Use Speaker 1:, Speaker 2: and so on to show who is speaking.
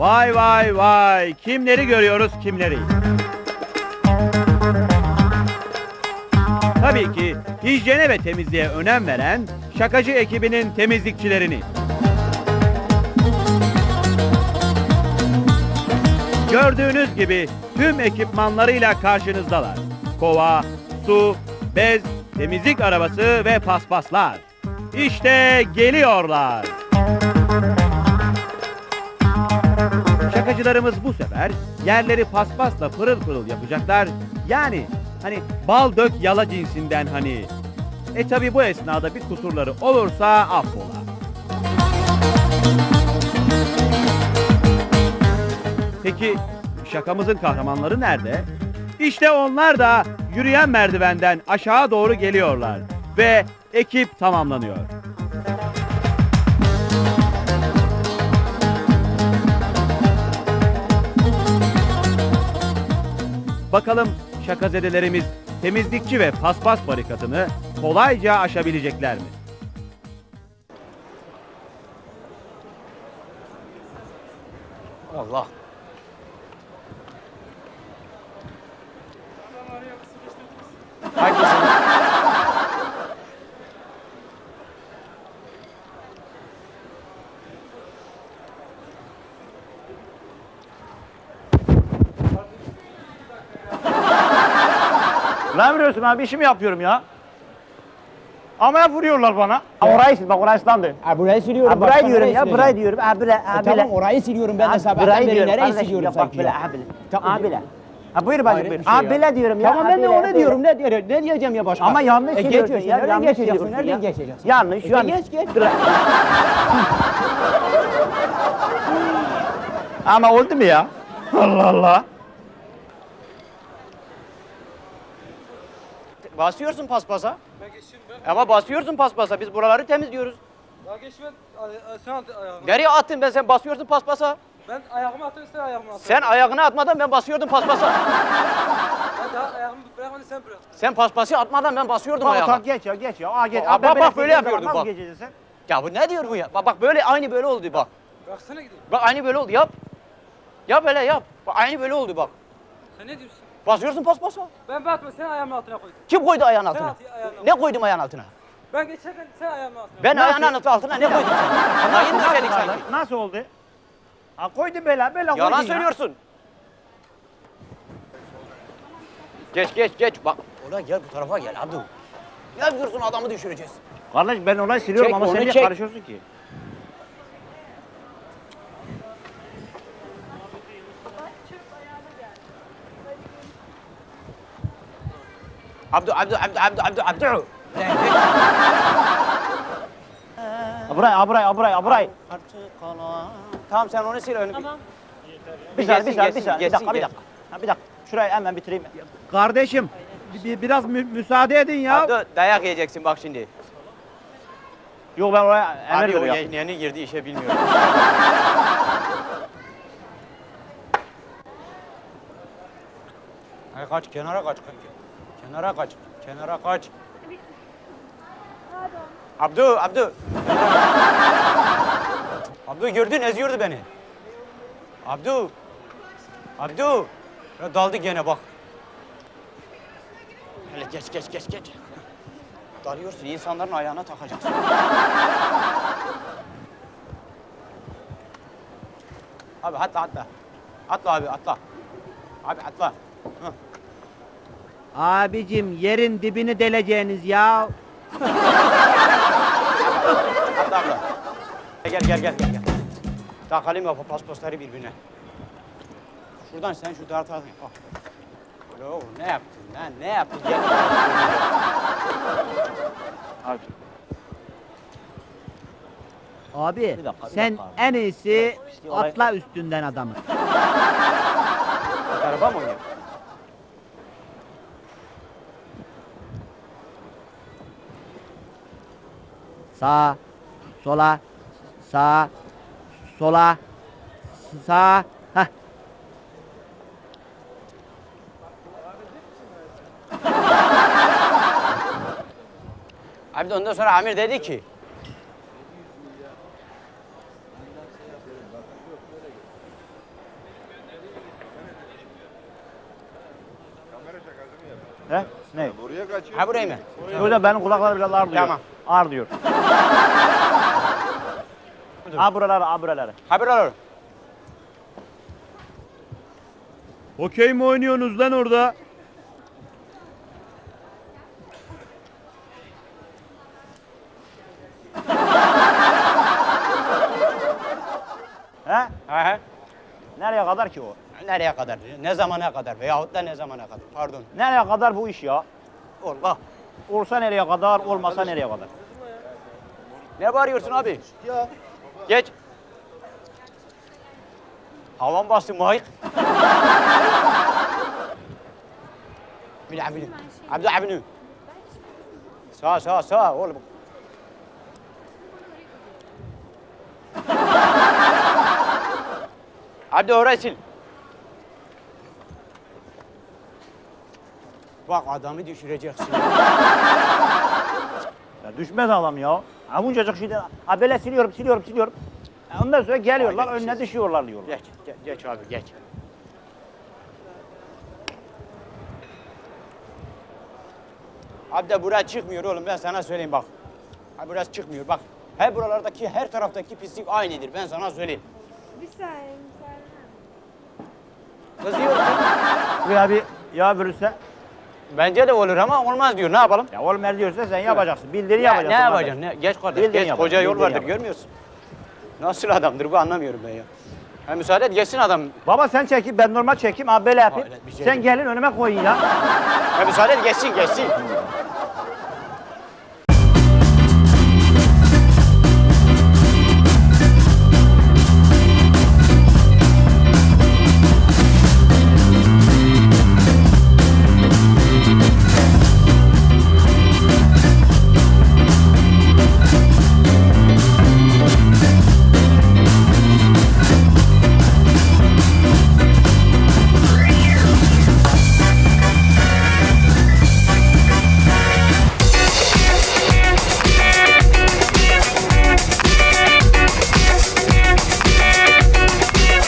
Speaker 1: Vay vay vay! Kimleri görüyoruz, kimleri? Tabii ki hijyene ve temizliğe önem veren şakacı ekibinin temizlikçilerini. Gördüğünüz gibi tüm ekipmanlarıyla karşınızdalar. Kova, su, bez, temizlik arabası ve paspaslar. İşte geliyorlar. Şakacılarımız bu sefer yerleri paspasla pırıl pırıl yapacaklar. Yani hani bal dök yala cinsinden hani. Tabi bu esnada bir kusurları olursa affola. Peki şakamızın kahramanları nerede? İşte onlar da yürüyen merdivenden aşağı doğru geliyorlar ve ekip tamamlanıyor. Bakalım şakazedelerimiz temizlikçi ve paspas barikatını kolayca aşabilecekler mi?
Speaker 2: Allah. Hangisini? Ne vuruyorsun abi? İşimi yapıyorum ya. Ama vuruyorlar bana.
Speaker 3: Orayı sil, bak orayı ıslandı.
Speaker 4: Burayı siliyorum.
Speaker 3: Burayı
Speaker 4: başka
Speaker 3: diyorum
Speaker 4: nereyi
Speaker 3: ya,
Speaker 4: sileceğim?
Speaker 3: burayı diyorum. Ha böyle, ha böyle.
Speaker 4: Tamam orayı siliyorum ben de sabahtan
Speaker 3: burayı
Speaker 4: beri
Speaker 3: diyorum
Speaker 4: nereyi
Speaker 3: kardeşim
Speaker 4: siliyorum
Speaker 3: ya, bak
Speaker 4: sanki
Speaker 3: böyle,
Speaker 4: ya?
Speaker 3: ha böyle.
Speaker 4: Tamam.
Speaker 3: Ha böyle. Ha buyur bacım
Speaker 4: Hayret
Speaker 3: buyur.
Speaker 4: bir şey
Speaker 3: Ha
Speaker 4: ya.
Speaker 3: böyle diyorum ya.
Speaker 4: Tamam
Speaker 3: ha
Speaker 4: ben de
Speaker 3: böyle,
Speaker 4: onu
Speaker 3: böyle.
Speaker 4: diyorum. Ne diyeceğim ya başka?
Speaker 3: Ama yanlış söylüyorsun
Speaker 4: geçiyorsun,
Speaker 3: ya.
Speaker 4: nereden
Speaker 3: Yanlış
Speaker 4: geçeceksin?
Speaker 3: söylüyorsun
Speaker 4: Nereden
Speaker 3: ya.
Speaker 4: geçeceksin?
Speaker 3: Yanlış, yanlış.
Speaker 4: Geç.
Speaker 3: Dur.
Speaker 2: Ama oldu mu ya? Allah Allah. Basıyorsun paspasa.
Speaker 5: Ben geçeyim ben.
Speaker 2: Ama basıyorsun paspasa. Biz buraları temizliyoruz.
Speaker 5: Ya geç ben. Sen at ayağını.
Speaker 2: Nereye attın ben? Sen basıyorsun paspasa.
Speaker 5: Ben ayağımı attım, sen ayağımı attın.
Speaker 2: Sen ayağını atmadan ben basıyordum paspasa.
Speaker 5: Ben daha ayağımı bırakmadın, sen bırak.
Speaker 2: Sen paspası atmadan ben basıyordum
Speaker 3: Bak
Speaker 2: ayağını.
Speaker 3: tak geç ya, geç ya. Aa geç.
Speaker 2: Bak,
Speaker 3: ben
Speaker 2: bak, böyle
Speaker 3: geçeceğim,
Speaker 2: yapıyordun
Speaker 3: nasıl
Speaker 2: bak.
Speaker 3: geçeceksin sen?
Speaker 2: Ya bu ne diyor bu ya? Bak böyle aynı böyle oldu bak.
Speaker 5: Bıraksana gideyim.
Speaker 2: Bak aynı böyle oldu yap. Yap hele yap. Bak aynı böyle oldu bak.
Speaker 5: Sen ne diyorsun?
Speaker 2: Basıyorsun paspasa.
Speaker 5: Ben batma, sen ayağımın altına koydun.
Speaker 2: Kim koydu ayağın
Speaker 5: Sen
Speaker 2: altına?
Speaker 5: at ayağını.
Speaker 2: Ne koydum ayağın altına?
Speaker 5: Ben geçerken sen ayağımın altına.
Speaker 2: Ben ayağının altına ne koydum? Mayın döşedik sanki.
Speaker 3: Nasıl oldu? Ha koydun böyle, böyle koydun
Speaker 2: Yalan
Speaker 3: ya.
Speaker 2: söylüyorsun. Geç. Bak oraya gel bu tarafa gel Abdü. Ne yapıyorsun adamı düşüreceğiz.
Speaker 3: Kardeş ben orayı siliyorum
Speaker 2: Çek,
Speaker 3: ama
Speaker 2: onu
Speaker 3: sen niye
Speaker 2: çek.
Speaker 3: karışıyorsun ki?
Speaker 2: Abdü.
Speaker 3: Ha burayı.
Speaker 2: Artık kalan. Tamam sen onu sil önünü. Tamam.
Speaker 3: Bir dakika. Ha bir dakika. Şurayı hemen bitireyim.
Speaker 1: Kardeşim biraz müsaade edin ya.
Speaker 2: Abdü dayak yiyeceksin bak şimdi.
Speaker 3: Yok ben oraya emir
Speaker 2: Abi o
Speaker 3: veriyorum.
Speaker 2: yeni girdi işe bilmiyor. Ay kaç kenara kaç. Kenara kaç. Abdü. Abdü gördün eziyordu beni. Abdü. Ya daldı gene bak. Hele geç. Dalıyorsun insanların ayağına takacaksın. Abi atla. Atla abi atla. Abi atla. Hı.
Speaker 1: Abicim yerin dibini deleceğiniz ya.
Speaker 2: Atla abla. Gel. Takalım ya paspasları birbirine. Şuradan sen şu tarafa. Bak. Oğlum ne yaptın lan? Ne yaptın? Gel.
Speaker 3: Abi.
Speaker 1: Abi
Speaker 3: Bir dakika
Speaker 1: sen
Speaker 3: abi.
Speaker 1: en iyisi
Speaker 3: Bir olay-
Speaker 1: atla üstünden adamı.
Speaker 2: Araba mı oynuyor?
Speaker 1: Sağa, sola, sağa, sola, sağa. Hah.
Speaker 2: Abi de ondan sonra Amir dedi ki
Speaker 3: He? Ne?
Speaker 2: Ha burayı mı?
Speaker 3: Şöyle benim kulaklarım biraz ağır duyuyor.
Speaker 2: Tamam.
Speaker 3: Ağır diyor. Ha buraları, ha buraları.
Speaker 2: Ha buralar.
Speaker 1: Okey mi oynuyorsunuz lan orada?
Speaker 3: He?
Speaker 2: Ha ha.
Speaker 3: Nereye kadar ki o?
Speaker 2: Nereye kadar? Ne zamana kadar? Veyahut da ne zamana kadar? Pardon.
Speaker 3: Nereye kadar bu iş ya?
Speaker 2: Allah.
Speaker 3: Olsa nereye kadar, olmasa nereye kadar?
Speaker 2: Ne bağırıyorsun abi? Ya. Geç. Havan bastı Mike. Abdü Abdü Abdü. Sağ oğlum. Abdü orayı sil. Bak adamı düşüreceksin.
Speaker 3: Ya düşmez adam ya. Ha buncacık şeyden, ha böyle siliyorum. Ondan sonra geliyorlar,
Speaker 2: Ay,
Speaker 3: önüne
Speaker 2: geçeceğiz.
Speaker 3: düşüyorlar diyorlar.
Speaker 2: Geç abi geç. Abi de buraya çıkmıyor oğlum ben sana söyleyeyim bak. Ha burası çıkmıyor bak. Her buralardaki her taraftaki pislik aynıdır ben sana söyleyeyim.
Speaker 6: Bir saniye müsaade.
Speaker 2: Kızıyorsun.
Speaker 3: Buraya bir yağ bürüse,
Speaker 2: Bence de olur ama olmaz diyor ne yapalım?
Speaker 3: ya oğlum er diyorsa sen yapacaksın. Bildiğini
Speaker 2: Ya,
Speaker 3: yapacaksın.
Speaker 2: ne
Speaker 3: kardeş.
Speaker 2: yapacaksın? Geç kardeş
Speaker 3: Bildiğin
Speaker 2: geç
Speaker 3: yap,
Speaker 2: koca yol
Speaker 3: bildiğin
Speaker 2: vardır
Speaker 3: yap.
Speaker 2: görmüyorsun. Nasıl adamdır bu anlamıyorum ben ya. Ha, müsaade et geçsin adam.
Speaker 3: Baba sen çekip ben normal çekeyim abi böyle yapayım.
Speaker 2: Hayret bir şey
Speaker 3: Sen
Speaker 2: değil.
Speaker 3: gelin önüme koyun ya.
Speaker 2: Ha, müsaade et geçsin.